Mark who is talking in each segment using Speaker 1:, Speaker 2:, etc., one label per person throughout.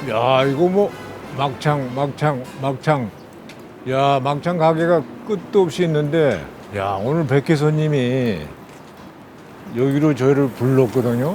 Speaker 1: 야, 이거 뭐 막창. 야, 막창 가게가 끝도 없이 있는데, 야, 오늘 백회 손님이 여기로 저희를 불렀거든요.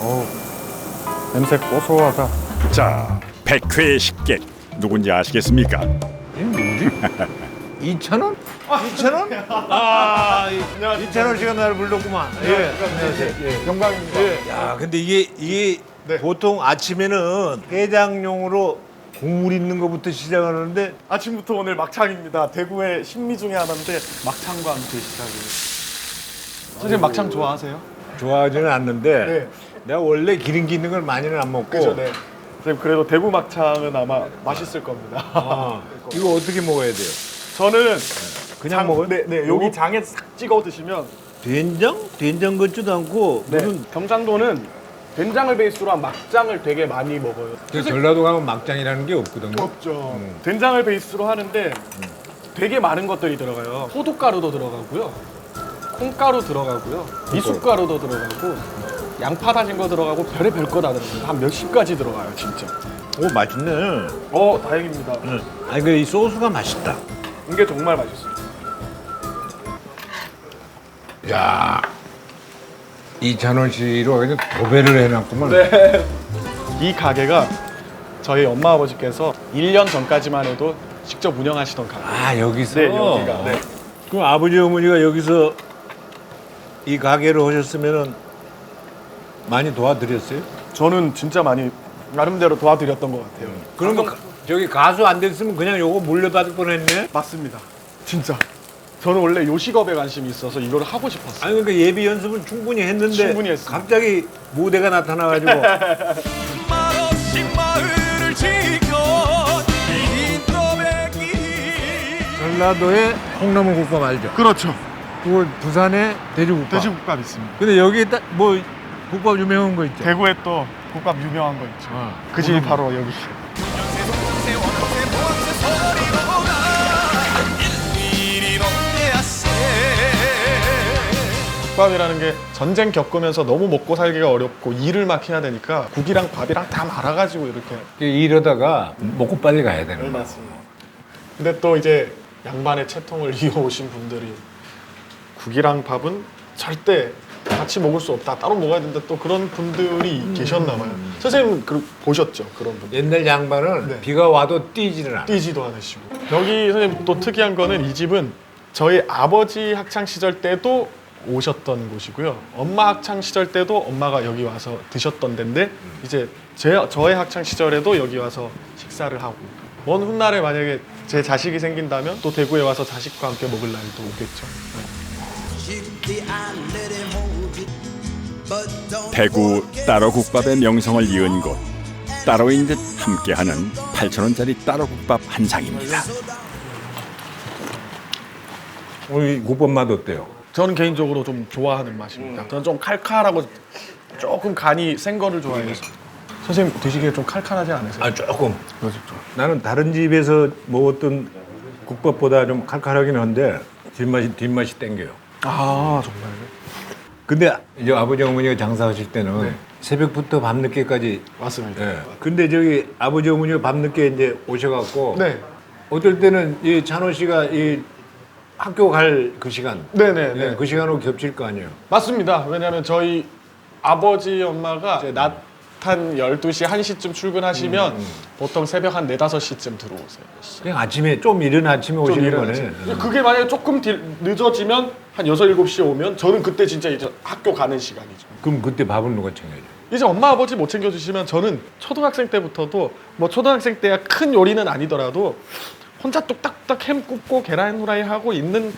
Speaker 2: 냄새 고소하다.
Speaker 3: 자, 백회의 식객 누군지 아시겠습니까?
Speaker 1: 이 누구지? 이찬원? 이찬원? 아, 이찬원 씨가 나를 불렀구만. 예, 안녕하세요. 예.
Speaker 2: 영광입니다.
Speaker 1: 예. 야, 근데 이게
Speaker 2: 네.
Speaker 1: 보통 아침에는 해장용으로 국물 있는 것부터 시작하는데
Speaker 2: 아침부터 오늘 막창입니다. 대구의 신미 중에 하나인데 막창과 함께 시작을. 선생님 막창 좋아하세요?
Speaker 1: 좋아하지는 않는데
Speaker 2: 네.
Speaker 1: 내가 원래 기름기 있는 걸 많이는 안 먹고.
Speaker 2: 그죠, 네. 선생님 그래도 대구 막창은 아마 맛있을 겁니다.
Speaker 1: 아, 이거 어떻게 먹어야 돼요?
Speaker 2: 저는
Speaker 1: 그냥 먹어요?
Speaker 2: 네, 여기 장에 싹 찍어 드시면.
Speaker 1: 된장? 된장 같지도 않고
Speaker 2: 네.
Speaker 1: 무슨
Speaker 2: 경상도는 된장을 베이스로 한 막장을 되게 많이 먹어요.
Speaker 1: 전라도 가면 막장이라는 게 없거든요.
Speaker 2: 없죠. 된장을 베이스로 하는데 되게 많은 것들이 들어가요. 소두가루도 들어가고요. 콩가루 들어가고요. 미숫가루도 들어가고 양파 다진 거 들어가고 별의별 거 다 들어가요. 한 몇십 가지 들어가요, 진짜.
Speaker 1: 오, 맛있네.
Speaker 2: 다행입니다.
Speaker 1: 아니 근데 이 소스가 맛있다.
Speaker 2: 이게 정말 맛있어요.
Speaker 1: 야, 이찬원 씨로 그냥 도배를 해놨구만.
Speaker 2: 네. 이 가게가 저희 엄마 아버지께서 1년 전까지만 해도 직접 운영하시던 가게.
Speaker 1: 아, 여기서.
Speaker 2: 네, 여기가. 네.
Speaker 1: 그럼 아버지 어머니가 여기서 이 가게를 하셨으면은 많이 도와드렸어요?
Speaker 2: 저는 진짜 많이 나름대로 도와드렸던 것 같아요.
Speaker 1: 그러면 저기 가수 안 됐으면 그냥 요거 물려받을 뻔했네.
Speaker 2: 맞습니다. 진짜. 저는 원래 요식업에 관심이 있어서 이거를 하고 싶었어요.
Speaker 1: 아니 그러니까 예비 연습은 충분히 했는데
Speaker 2: 충분히 했습니다.
Speaker 1: 갑자기 무대가 나타나가지고
Speaker 3: 말없이 마을을 지켜
Speaker 1: 전라도의 콩나물국밥 알죠?
Speaker 2: 그렇죠.
Speaker 1: 그리고 부산의 돼지국밥.
Speaker 2: 돼지국밥 있습니다.
Speaker 1: 근데 여기 뭐 국밥 유명한 거 있죠?
Speaker 2: 대구에 또 국밥 유명한 거 있죠.
Speaker 1: 어.
Speaker 2: 그 집이 바로 여기. 국밥이라는 게 전쟁 겪으면서 너무 먹고 살기가 어렵고 일을 막 해야 되니까 국이랑 밥이랑 다 말아가지고 이렇게.
Speaker 1: 이러다가 먹고 빨리 가야 되는 거야.
Speaker 2: 맞습니다. 근데 또 이제 양반의 채통을 이어오신 분들이 국이랑 밥은 절대 같이 먹을 수 없다. 따로 먹어야 된다. 또 그런 분들이 계셨나 봐요. 선생님 보셨죠? 그런 분들.
Speaker 1: 옛날 양반은
Speaker 2: 네.
Speaker 1: 비가 와도 뛰지는 않아.
Speaker 2: 뛰지도 않으시고. 여기 선생님 또 특이한 거는 이 집은 저희 아버지 학창 시절 때도 오셨던 곳이고요. 엄마 학창 시절 때도 엄마가 여기 와서 드셨던 데인데 이제 저의 학창 시절에도 여기 와서 식사를 하고 먼 훗날에 만약에 제 자식이 생긴다면 또 대구에 와서 자식과 함께 먹을 날도 오겠죠.
Speaker 3: 대구 따로국밥의 명성을 이은 곳 따로인 듯 함께하는 8,000원짜리 따로국밥 한 상입니다.
Speaker 1: 오늘 이 국밥 맛 어때요?
Speaker 2: 저는 개인적으로 좀 좋아하는 맛입니다. 저는 좀 칼칼하고 조금 간이 센 거를 좋아해서. 선생님 드시기에 좀 칼칼하지 않으세요?
Speaker 1: 아, 조금.
Speaker 2: 그렇죠.
Speaker 1: 나는 다른 집에서 먹었던 국밥보다 좀 칼칼하긴 한데 뒷맛이 땡겨요.
Speaker 2: 아 정말요?
Speaker 1: 근데 이제 아버지 어머니가 장사하실 때는
Speaker 2: 네.
Speaker 1: 새벽부터 밤늦게까지.
Speaker 2: 맞습니다.
Speaker 1: 예. 근데 저기 아버지 어머니가 밤늦게 이제 오셔갖고
Speaker 2: 네.
Speaker 1: 어떨 때는 이 찬호 씨가 이 학교 갈 그 시간,
Speaker 2: 네네.
Speaker 1: 예, 그 시간으로 겹칠 거 아니에요.
Speaker 2: 맞습니다. 왜냐하면 저희 아버지 엄마가 이제 낮 한 12시, 1시쯤 출근하시면 보통 새벽 한 4, 5시쯤 들어오세요.
Speaker 1: 그냥 아침에 좀 이른 아침에 오시는 거네.
Speaker 2: 일어나지. 그게 만약에 조금 늦어지면 한 6, 7시에 오면 저는 그때 진짜 이제 학교 가는 시간이죠.
Speaker 1: 그럼 그때 밥은 누가 챙겨줘?
Speaker 2: 이제 엄마 아버지 못 챙겨주시면 저는 초등학생 때부터도 뭐 초등학생 때야 큰 요리는 아니더라도 혼자 뚝딱뚝딱 햄 굽고 계란 후라이 하고 있는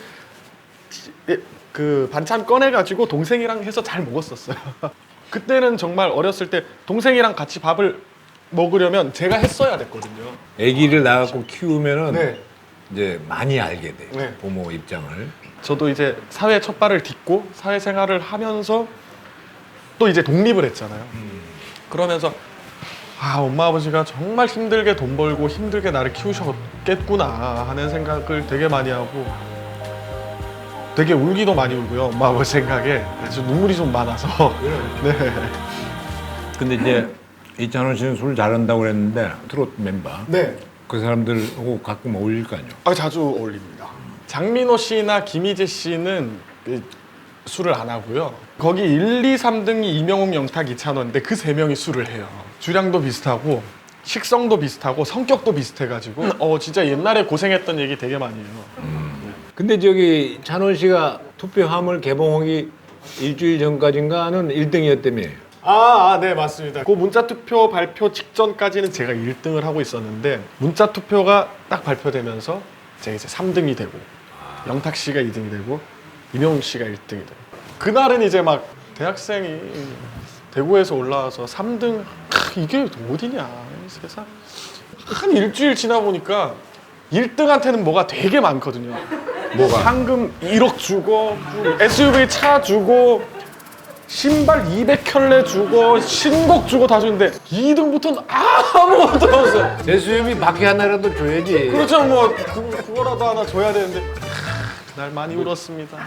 Speaker 2: 그 반찬 꺼내가지고 동생이랑 해서 잘 먹었었어요. 그때는 정말 어렸을 때 동생이랑 같이 밥을 먹으려면 제가 했어야 됐거든요.
Speaker 1: 아기를 낳고 키우면은
Speaker 2: 네.
Speaker 1: 이제 많이 알게 돼.
Speaker 2: 네.
Speaker 1: 부모 입장을.
Speaker 2: 저도 이제 사회 첫 발을 딛고 사회생활을 하면서 또 이제 독립을 했잖아요. 그러면서 아 엄마 아버지가 정말 힘들게 돈 벌고 힘들게 나를 키우셨겠구나 하는 생각을 되게 많이 하고 되게 울기도 많이 울고요. 엄마 아버지 생각에 그래서 눈물이 좀 많아서 네.
Speaker 1: 근데 이제 이찬원 씨는 술 잘한다고 그랬는데 트로트 멤버.
Speaker 2: 네.
Speaker 1: 그 사람들하고 가끔 어울릴 거 아니에요.
Speaker 2: 자주 어울립니다. 장민호 씨나 김희재 씨는 술을 안 하고요. 거기 1, 2, 3등이 이명웅, 영탁, 이찬원인데 그 세 명이 술을 해요. 주량도 비슷하고 식성도 비슷하고 성격도 비슷해가지고 진짜 옛날에 고생했던 얘기 되게 많이 해요.
Speaker 1: 근데 저기 찬원 씨가 투표함을 개봉하기 일주일 전까지인가는 1등이었다며.
Speaker 2: 네, 맞습니다. 그 문자 투표 발표 직전까지는 제가 1등을 하고 있었는데 문자 투표가 딱 발표되면서 제가 이제 3등이 되고 영탁 씨가 2등이 되고 이명웅 씨가 1등이 되고 그날은 이제 막 대학생이 대구에서 올라와서 3등 이게 어디냐 이 세상 한 일주일 지나 보니까 1등한테는 뭐가 되게 많거든요.
Speaker 1: 뭐가?
Speaker 2: 상금 1억 주고 SUV 차 주고 신발 200켤레 주고 신곡 주고 다 주는데 2등부터는 아무것도 없어요.
Speaker 1: 대수염이 바퀴 하나라도 줘야지.
Speaker 2: 그렇죠. 뭐 그거라도 하나 줘야 되는데 그날 많이 울었습니다.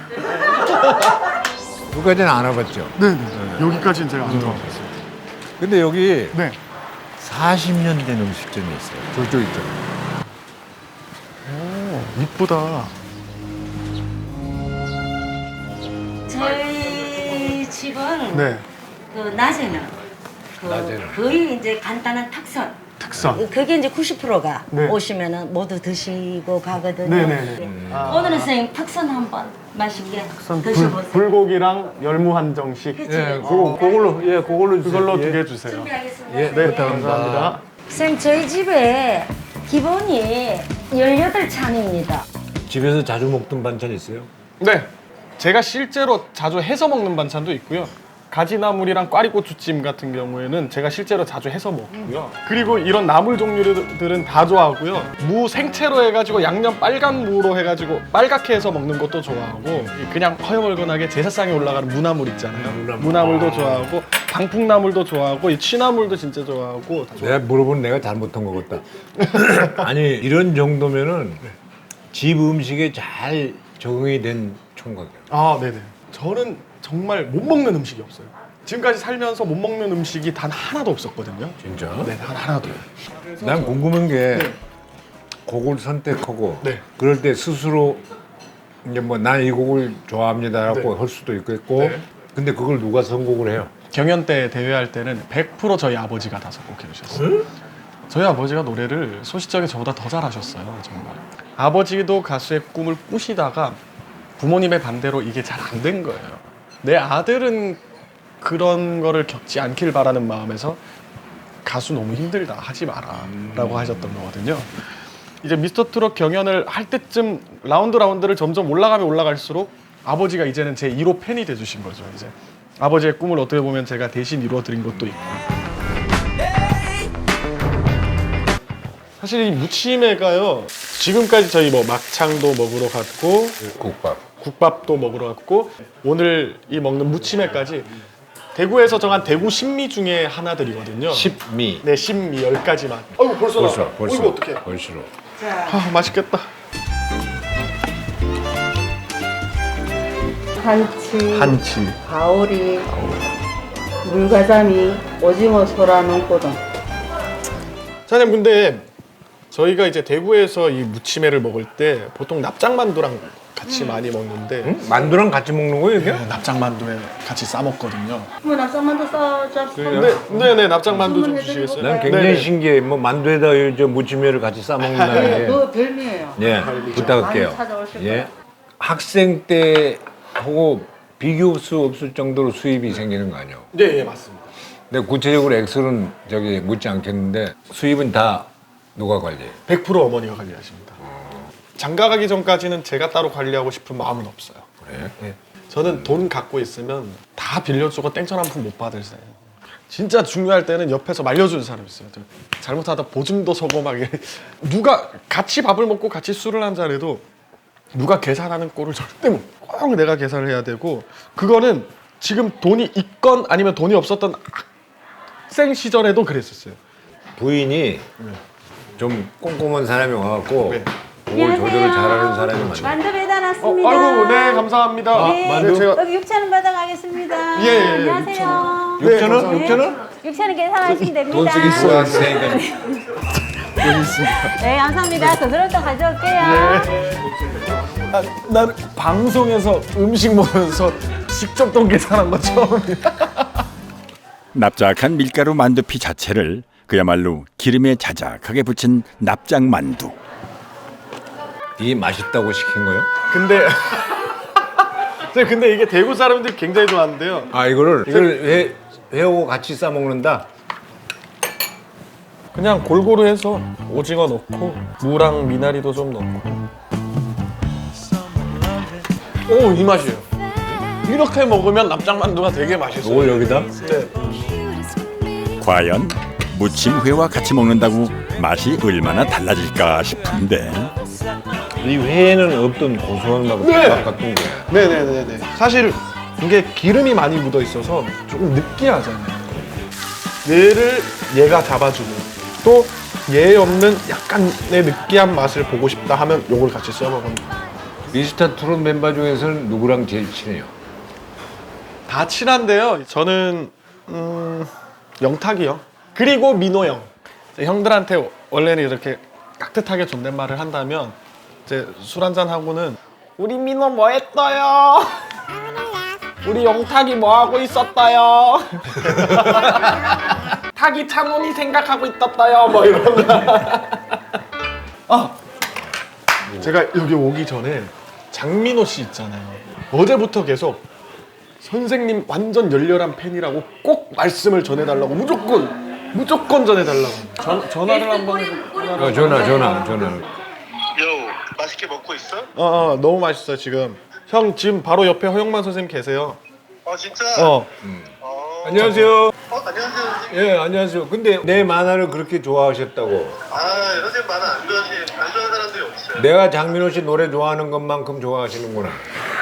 Speaker 1: 그까지는 안 와봤죠.
Speaker 2: 네. 여기까지는 제가 안 들어봤어요.
Speaker 1: 근데 여기
Speaker 2: 네.
Speaker 1: 40년 된 음식점이 있어요. 저쪽 있죠.
Speaker 2: 오, 이쁘다.
Speaker 4: 저희 집은
Speaker 2: 네.
Speaker 4: 그 낮에는
Speaker 1: 낮에는.
Speaker 4: 거의 이제 간단한 탁선.
Speaker 2: 특선.
Speaker 4: 그게 이제 90%가
Speaker 2: 네.
Speaker 4: 오시면은 모두 드시고 가거든요.
Speaker 2: 네네네.
Speaker 4: 오늘은 선생님 탁선 한번 맛있게 드셔보세요.
Speaker 2: 불고기랑 열무 한정식.
Speaker 4: 그치?
Speaker 1: 그걸로 그걸로
Speaker 2: 그걸로
Speaker 1: 주세요.
Speaker 2: 2개 주세요.
Speaker 4: 준비하겠습니다.
Speaker 1: 예,
Speaker 2: 네, 감사합니다.
Speaker 4: 선생님 저희 집에 기본이 18찬입니다.
Speaker 1: 집에서 자주 먹던 반찬 있어요?
Speaker 2: 네. 제가 실제로 자주 해서 먹는 반찬도 있고요. 가지나물이랑 꽈리고추찜 같은 경우에는 제가 실제로 자주 해서 먹고요. 그리고 이런 나물 종류들은 다 좋아하고요. 무 생채로 해가지고 양념 빨간 무로 해가지고 빨갛게 해서 먹는 것도 좋아하고 그냥 허여멀건하게 제사상에 올라가는 무나물 있잖아요. 무나물도 좋아하고 방풍나물도 좋아하고 이 취나물도 진짜 좋아하고 다
Speaker 1: 내가 물어본 내가 잘못한 것 같다. 아니 이런 정도면은 집 음식에 잘 적응이 된 총각이야.
Speaker 2: 네네. 저는 정말 못 먹는 음식이 없어요. 지금까지 살면서 못 먹는 음식이 단 하나도 없었거든요.
Speaker 1: 진짜?
Speaker 2: 네, 단 하나도.
Speaker 1: 난 궁금한 게 곡을 선택하고
Speaker 2: 네.
Speaker 1: 그럴 때 스스로 이제 뭐 난 이 곡을 좋아합니다라고
Speaker 2: 네.
Speaker 1: 할 수도 있겠고
Speaker 2: 네.
Speaker 1: 근데 그걸 누가 선곡을 해요?
Speaker 2: 경연 때 대회할 때는 100% 저희 아버지가 다 선곡해 주셨어요. 저희 아버지가 노래를 소시적에 저보다 더 잘하셨어요. 정말. 아버지도 가수의 꿈을 꾸시다가 부모님의 반대로 이게 잘 안 된 거예요. 내 아들은 그런 거를 겪지 않길 바라는 마음에서 가수 너무 힘들다 하지 마라 라고 하셨던 거거든요. 이제 미스터트롯 경연을 할 때쯤 라운드를 점점 올라가면 올라갈수록 아버지가 이제는 제 1호 팬이 돼주신 거죠. 이제 아버지의 꿈을 어떻게 보면 제가 대신 이루어드린 것도 있고. 사실 이 무침회가요, 지금까지 저희 뭐 막창도 먹으러 갔고 국밥도 먹으러 갔고 오늘 이 먹는 무침회까지 대구에서 정한 대구 신미 중에 하나들이거든요.
Speaker 1: 십미.
Speaker 2: 네, 신미 10가지만. 아이고 벌써 나와. 이거 어떡해.
Speaker 1: 벌써.
Speaker 2: 맛있겠다.
Speaker 5: 한치, 가오리, 물가자미, 오징어 소라 눈꼬동.
Speaker 2: 사장님 근데 저희가 이제 대구에서 이 무침회를 먹을 때 보통 납작만두랑 같이 많이 먹는데
Speaker 1: 응? 만두랑 같이 먹는 거예요 이게?
Speaker 2: 납작만두에 같이 싸 먹거든요.
Speaker 5: 뭐 납작만두 싸잡수요?
Speaker 2: 네네 납작만두 좀
Speaker 5: 주문해드리고
Speaker 2: 주시겠어요?
Speaker 1: 난 굉장히
Speaker 2: 네네.
Speaker 1: 신기해. 뭐 만두에다 저 무침회를 같이 싸 먹는다는 게.
Speaker 5: 그거 별미예요.
Speaker 1: 예, 부탁할게요.
Speaker 5: 많이 찾아오실
Speaker 1: 예.
Speaker 5: 거예요.
Speaker 1: 학생 때 하고 비교할 수 없을 정도로 수입이 생기는 거 아니에요?
Speaker 2: 네, 예, 맞습니다.
Speaker 1: 근데 구체적으로 액수는 저기 묻지 않겠는데 수입은 다 누가 관리해요?
Speaker 2: 100% 어머니가 관리하십니다. 장가 가기 전까지는 제가 따로 관리하고 싶은 마음은 없어요.
Speaker 1: 그래?
Speaker 2: 예. 저는 돈 갖고 있으면 다 빌려주고 땡전 한 푼 못 받을 사람. 진짜 중요할 때는 옆에서 말려주는 사람이 있어요. 잘못하다 보증도 서고 막 이래. 누가 같이 밥을 먹고 같이 술을 한잔해도 누가 계산하는 꼴을 절대 꼭 내가 계산을 해야 되고 그거는 지금 돈이 있건 아니면 돈이 없었던 학생 시절에도 그랬었어요.
Speaker 1: 부인이 좀 꼼꼼한 사람이 와갖고
Speaker 2: 네.
Speaker 1: 그걸 조절을 잘하는 사람이 많아요.
Speaker 4: 만두 배달 왔습니다.
Speaker 2: 아이고 네 감사합니다.
Speaker 4: 네,
Speaker 1: 만두?
Speaker 2: 제가
Speaker 4: 여기 6,000원 받아가겠습니다.
Speaker 2: 예, 예,
Speaker 4: 안녕하세요.
Speaker 1: 6,000원?
Speaker 2: 감사합니다.
Speaker 1: 6,000원?
Speaker 6: 6,000원 계산하시면 됩니다.
Speaker 1: 돈 쓰기 수고하셨으니까.
Speaker 6: 네, 감사합니다. 더 들을 때 가져올게요.
Speaker 2: 아, 난 방송에서 음식 먹으면서 직접 돈 계산한 거 처음이야.
Speaker 3: 납작한 밀가루 만두피 자체를 그야말로 기름에 자작하게 부친 납작 만두.
Speaker 1: 이 맛있다고 시킨 거요?
Speaker 2: 근데 근데 이게 대구 사람들이 굉장히 좋아하는데요.
Speaker 1: 아 이걸 회하고 같이 싸 먹는다.
Speaker 2: 그냥 골고루 해서 오징어 넣고 무랑 미나리도 좀 넣고. 오, 이 맛이에요. 이렇게 먹으면 납작만두가 되게 맛있어요.
Speaker 1: 이걸 여기다?
Speaker 2: 네.
Speaker 3: 과연 무침회와 같이 먹는다고 맛이 얼마나 달라질까 싶은데
Speaker 1: 이 회에는 없던 고소한 맛 같은 게.
Speaker 2: 네네네네. 사실 이게 기름이 많이 묻어 있어서 조금 느끼하잖아요. 얘를 얘가 잡아주고 또 얘 없는 약간의 느끼한 맛을 보고 싶다 하면 요걸 같이 써 먹으면
Speaker 1: 미스터 트롯 멤버 중에서는 누구랑 제일 친해요?
Speaker 2: 다 친한데요. 저는 영탁이요. 그리고 민호 형. 형들한테 원래는 이렇게 깍듯하게 존댓말을 한다면 이제 술 한잔 하고는 우리 민호 뭐 했어요? 우리 영탁이 뭐 하고 있었어요? 탁이 찬원이 생각하고 있었어요. 뭐 이런. 아, 제가 여기 오기 전에 장민호 씨 있잖아요. 어제부터 계속 선생님 완전 열렬한 팬이라고 꼭 말씀을 전해달라고 무조건 전해달라고. 전화를 한번 해서.
Speaker 1: 전화.
Speaker 7: 요, 맛있게 먹고 있어?
Speaker 2: 너무 맛있어요 지금. 형 지금 바로 옆에 허영만 선생님 계세요.
Speaker 7: 진짜?
Speaker 1: 안녕하세요.
Speaker 7: 안녕하세요, 선생님.
Speaker 1: 예, 안녕하세요. 근데 내 만화를 그렇게 좋아하셨다고.
Speaker 7: 선생님 만화 안 좋아하는 사람들이 없어요.
Speaker 1: 내가 장민호 씨 노래 좋아하는 것만큼 좋아하시는구나.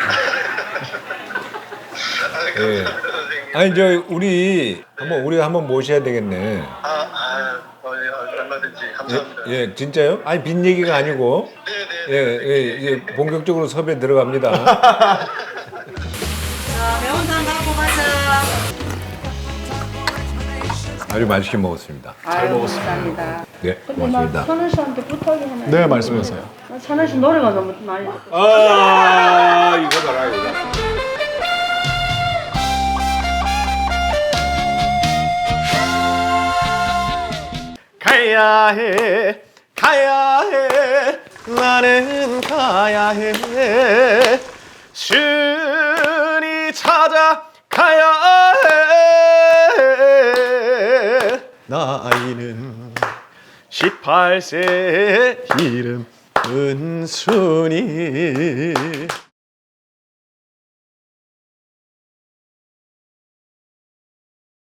Speaker 1: 예.
Speaker 7: 감사합니다, 선생님.
Speaker 1: 아니 저 우리 한번 모셔야 되겠네.
Speaker 7: 얼마든지 감사합니다.
Speaker 1: 예, 진짜요? 아니 빈 얘기가 아니고.
Speaker 7: 네네.
Speaker 1: 예, 본격적으로 섭외 들어갑니다.
Speaker 5: 매운탕 갖고 가자.
Speaker 1: 아주 맛있게 먹었습니다.
Speaker 5: 잘 먹었습니다.
Speaker 1: 네,
Speaker 5: 근데 나
Speaker 1: 고맙습니다.
Speaker 5: 선우 씨한테 부탁이 하나.
Speaker 2: 네 말씀하세요.
Speaker 5: 나 선우 씨 노래가 너무 많이.
Speaker 1: 이거 봐라 이거.
Speaker 2: 가야 해 나는 가야 해 신이 찾아가야 해 나이는 18세 이름 은순이